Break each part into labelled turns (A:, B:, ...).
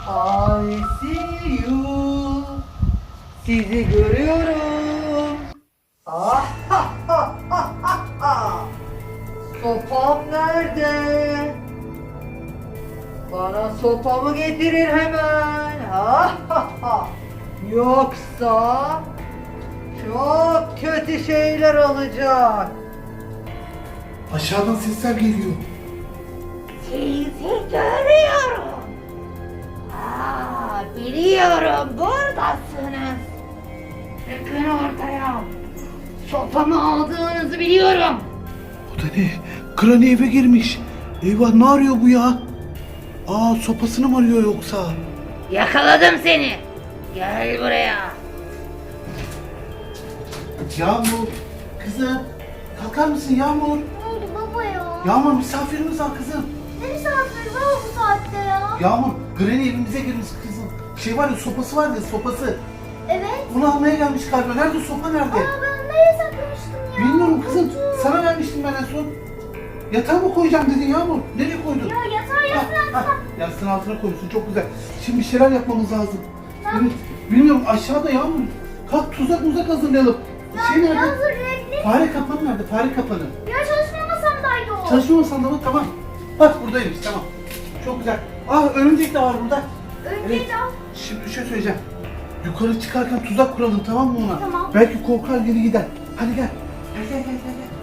A: I see you. Sizi görüyorum. Ah, ha, ha, ha, ha, ha. Sopam nerede? Bana sopamı getirin hemen. Ha, ha, ha. Yoksa çok kötü şeyler olacak.
B: Aşağıdan sesler geliyor.
C: Sizi görüyorum. Biliyorum buradasınız. Çıkın ortaya. Sopamı aldığınızı biliyorum.
B: O da ne? Granny eve girmiş. Eyvah, ne arıyor bu ya? Aa, sopasını mı arıyor yoksa?
C: Yakaladım seni. Gel buraya.
B: Yağmur, kızım. Kalkar mısın Yağmur?
D: Ne oldu baba ya?
B: Yağmur, misafirimiz var kızım.
D: Ne misafir var bu saatte ya?
B: Yağmur, Granny evimize girmiş kızım. Şey var ya, sopası var ya, sopası.
D: Evet.
B: Bunu almaya gelmiş galiba. Nerede sopa, nerede?
D: Aa, ben nereye saklamıştım ya?
B: Bilmiyorum kızım.
D: Unuttum.
B: Sana vermiştim ben en son. Yatağa mı koyacağım dedin Yağmur? Nereye koydun?
D: Ya yatağı yasın altına.
B: Yastığın altına koymuşsun. Çok güzel. Şimdi bir şeyler yapmamız lazım.
D: Tamam.
B: Evet. Bilmiyorum, aşağıda Yağmur. Kalk, tuzak hazırlayalım. Şey nerede?
D: Hazır renkli.
B: Fare kapanı nerede? Fare kapanı.
D: Ya çalışma masamdaydı o.
B: Çalışma masanda mı? Tamam. Bak buradaymış, tamam. Çok güzel. Ah, örümcek de var burada.
D: Önce
B: Evet.
D: de al.
B: Şimdi bir şey söyleyeceğim. Yukarı çıkarken tuzak kuralım, tamam mı ona?
D: Tamam.
B: Belki korkar, geri gider. Hadi gel. Gel.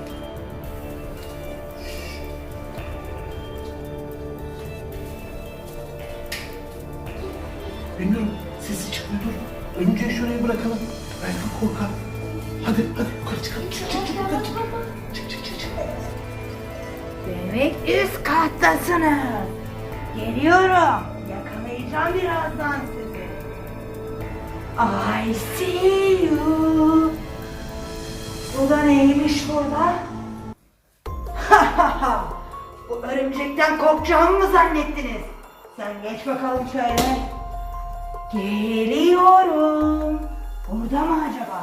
B: Bilmiyorum, sesi çıkmıyor, dur. Örümceği şuraya bırakalım. Belki korkar. Hadi yukarı çıkalım. Çık. Yukarı çık.
C: Demek üst kattasınız. Geliyorum. Yakalayacağım birazdan sizi. I see you. Bu da neymiş burada? Bu örümcekten korkacağımı mı zannettiniz? Sen geç bakalım şöyle. Geliyorum. Burada mı acaba?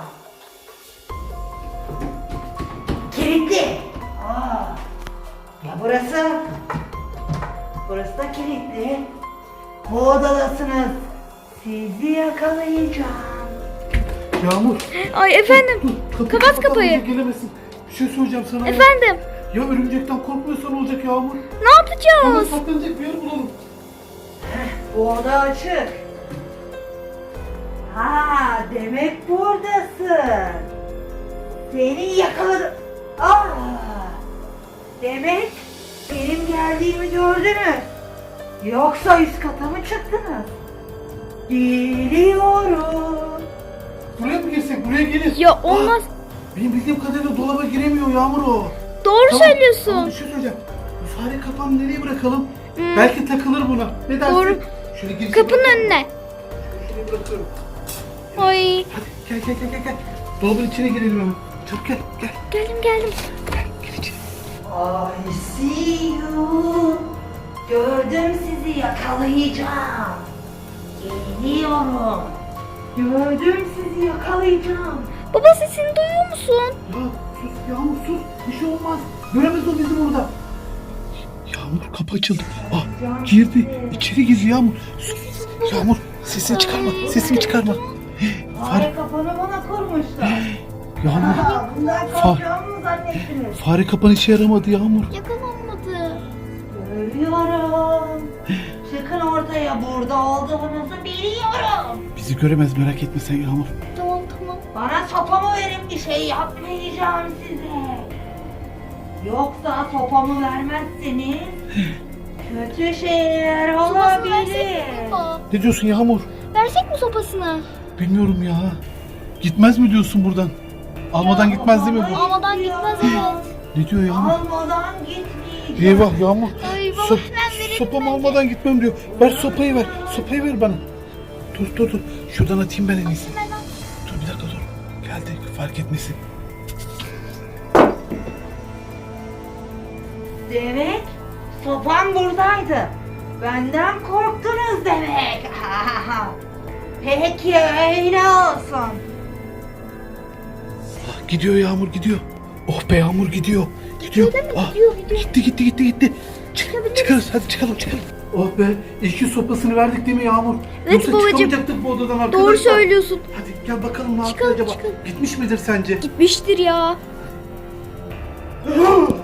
C: Kilitli. Ya burası? Burası da kilitli. Bu odadasınız. Sizi yakalayacağım.
B: Yağmur.
E: Ay efendim.
B: Dur,
E: Kapat kapıyı.
B: Gelemesin. Bir şey söyleyeceğim sana.
E: Efendim.
B: Ya örümcekten korkmuyorsan olacak Yağmur.
E: Ne
B: Hemen
E: yapacağız?
B: saklanacak bir yer bulalım.
C: Bu oda açık. Demek buradasın. Seni yakaladım. Demek benim geldiğimi gördünüz. Yoksa üst kata mı çıktınız? Geliyorum.
B: Buraya mı girsek? Buraya gelir.
E: Ya olmaz.
B: Benim bildiğim kadarıyla dolaba giremiyor Yağmur o.
E: Doğru
B: Tamam,
E: söylüyorsun.
B: Tamam, bir şey söyleyeceğim. Bu fare kapağını nereye bırakalım? Belki takılır buna. Ne dersin?
E: Doğru.
B: Şöyle girsin.
E: Kapının önüne.
B: Şuraya bırakıyorum.
E: Ay.
B: Hadi gel. Dolabın içine girelim hemen. Çabuk gel.
E: Geldim.
B: Gel içeri.
C: I see you. Gördüm sizi, yakalayacağım. Geliyorum. Gördüm sizi, yakalayacağım.
E: Baba sesini duyuyor musun?
B: Ya sus Yağmur, sus. Bir şey olmaz. Göremez o bizi burada. Yağmur, kapı açıldı. Girdi. İçeri girdi Yağmur. Sus. Yağmur, sesini çıkarma.
C: Fare kapanı bana kurmuşlar.
B: Yağmur,
C: Bundan korkacağımı mı zannettiniz?
B: fare kapanı işe yaramadı Yağmur.
E: Yakalanmadı.
C: Görüyorum. Çıkın ortaya, burada olduğunuzu biliyorum.
B: Bizi göremez, merak etme sen Yağmur.
E: Tamam.
C: Bana sopamı verin, bir şey yapmayacağım size. Yoksa sopamı vermezseniz kötü şeyler
E: Sopasını
C: olabilir.
E: versek mi baba?
B: Ne diyorsun Yağmur?
E: Versek mi sopasını?
B: Bilmiyorum ya. Gitmez mi diyorsun buradan? Almadan gitmez değil mi bu?
E: Almadan gitmez evet.
B: Ne diyor Yağmur?
C: Almadan gitmeyeceğim.
B: Eyvah Yağmur.
E: Ay baba
B: Sop,
E: hemen verelim
B: sopamı
E: bence.
B: almadan gitmem diyor. Ver sopayı ver. Sopayı ver bana. Dur. Şuradan atayım ben en iyisi.
E: Hemen al.
B: Dur bir dakika dur. Geldi, fark etmesin.
C: Demek sopam buradaydı. Benden korktunuz demek. Peki öyle olsun.
B: Gidiyor Yağmur, gidiyor. Oh be Yağmur, gidiyor.
E: Gidiyor değil mi? Gidiyor.
B: Gitti. Çıkarız, hadi çıkalım. Oh be, iki sopasını verdik değil mi Yağmur?
E: Evet
B: Yoksa
E: babacığım.
B: çıkamayacaktık bu odadan arkadaşlar.
E: Doğru söylüyorsun.
B: Hadi gel bakalım ne yapıyor
E: Çıkalım,
B: acaba?
E: çıkalım.
B: Gitmiş midir sence?
E: Gitmiştir ya.